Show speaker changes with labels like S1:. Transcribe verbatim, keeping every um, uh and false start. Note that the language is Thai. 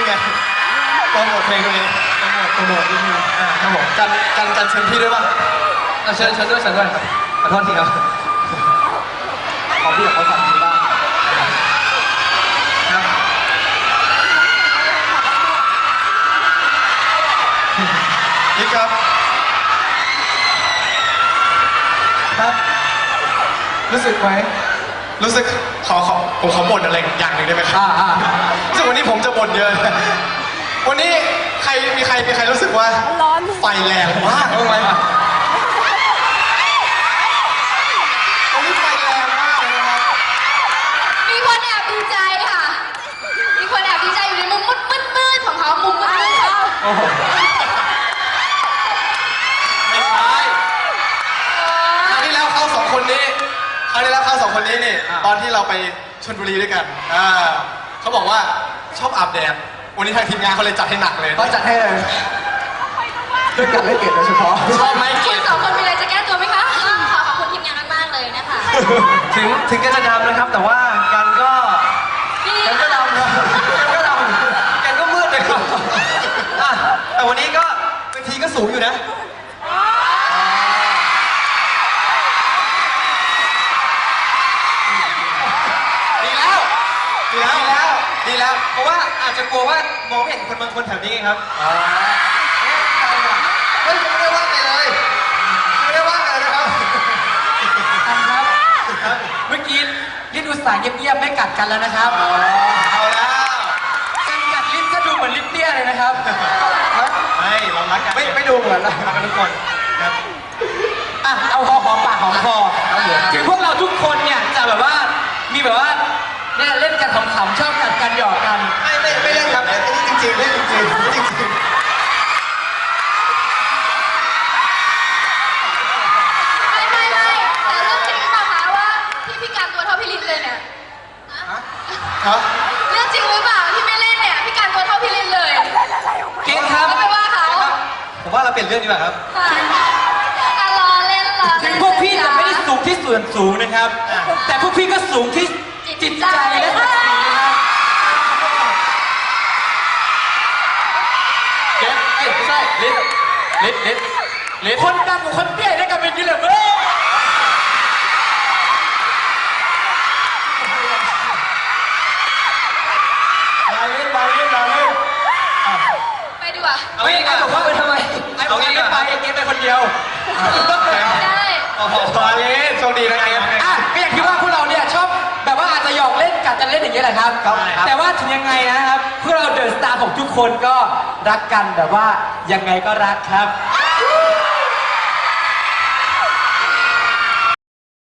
S1: นี่ไงโปรโมทเพลงตัวเองโปรโมทโปรโมทนิดนึงอ่าครับผมกันกันกันเชิญพี่ด้วยป่ะเชิญเชิญด้วยเชิญด้วยครับขอโทษทีครับขอพี่กับเขาสั่งทีบ้างครับนี่ครับครับรู้สึกไหมรู้สึกขอขอผมขอบ่นอะไรอย่างหนึ่งได้ไหมครับอ่าอ่ารู้สึกวันนี้ผมจะบ่นเยอะวันนี้ใครมีใครมีใครรู้สึกว่าร้อนไฟแรงมากรู้ไหมวันนี้ไฟแรงมากเลยนะครับ
S2: มีคนแอบดีใจค่ะมีคนแอบดีใจอยู่ในมุมมืดมืดมืดของเขามุมมืดมืดค่ะ
S1: โอ้โหไม่ใช่คราวที่แล้วเขาสองคนนี้คราวที่แล้วเขาสองคนนี้นี่ตอนที่เราไปชลบุรีด้วยกันอ่าเขาบอกว่าชอบอาบแดดวันนี้ทางทีมงานเขาเลยจัดให้หนักเลยเขาจัดให้เลยด้วยการเล่นเกมโดยเฉพาะชอบไหมเกม
S2: สองคนมีอะไรจะแก้ตัวไหมคะขอขอบคุณทีมงานมากๆเลยนะคะ
S1: ถึงถึงกันจะดำนะครับแต่ว่ากันก็กันก็ดำนะกันก็ดำกันก็มืดเลยครับแต่วันนี้ก็เวทีก็สูงอยู่นะดีแล้วดีแล้วดีแล้วเพราะว่าอาจจะกลัวว่ามองไม่เห็นคนบางคนแถวนี้ครับเฮ้ยไม่ได้ว่าไปเลยไม่ได้ว่ากันนะครับ
S3: ครับเมื่อกี้ลิ้นอุตส่าห์เงียบๆไม่กัดกันแล้วนะครับ
S1: เอาแล้ว
S3: การกัดลิ้นก็ดูเหมือนลิ้นเตี้ยเลยนะครับ
S1: ไม่เรารักกันไม่ไม่ดูเหมือนรักกันทุกคนครับ
S3: อ่ะเอาหอมหอมปากหอมคอถึงพวกเราทุกคนเนี่ยจะแบบว่ามีแบบว่าเนี่ยเล่นกันขำๆชอบกัดกันหยอกกัน
S1: ไม่ไม่ไม่เล่นครับนี่จริงๆเล่นจริงๆจริงๆ
S2: ไม่ไม่ไม่แต่เรื่องจริงหรือเปล่าคะว่าที่พี่การตัวเท่าพี่ลินเลยเนี่ย
S1: ฮะ
S2: เรื่องจริงหรือเปล่าที่ไม่เล่นเนี่ยพี่การตัวเท่าพี่ลินเลย
S3: เก่งครับ
S2: ก็ไปว่าเขา
S1: ผมว่าเราเปลี่ยนเรื่องดีกว่าครับ
S2: รอเล่นรอ
S3: ถึงพวกพี่จะไม่ได้สูงที่ส่วนสูงนะครับแต่พวกพี่ก็สูงที่จิตใจและศักดิ์ศรีนะครับ
S1: เก็บเอ้ยไม่ใช่ลิ้นลิ้นลิ้นลิ้น
S3: คนดำกับคนเตี้ยได้กันเป็นยี่เหลี่ยมเว้ย
S1: มาลิ้นมาลิ้นมาลิ้น
S2: ไปดีกว่า
S3: ไม่ไอ้บอกว่าไปทำไมไอ้บอกว่าไม่ไปเกมไปคนเดียว
S2: ได้
S1: โอ้โหมาลิ้นโชคดีนะเกม
S3: อ่ะก็อย่างที่ว่าพวกเราเนี่ยชอบแบบว่าอาจจะหยอกเล่นกัดจะเล่นอย่างเงี้ยแหละครับแต่ว่าถึงยังไงนะครับพวกเราเดอะสตาร์ของทุกคนก็รักกันแบบว่ายังไงก็รักครับ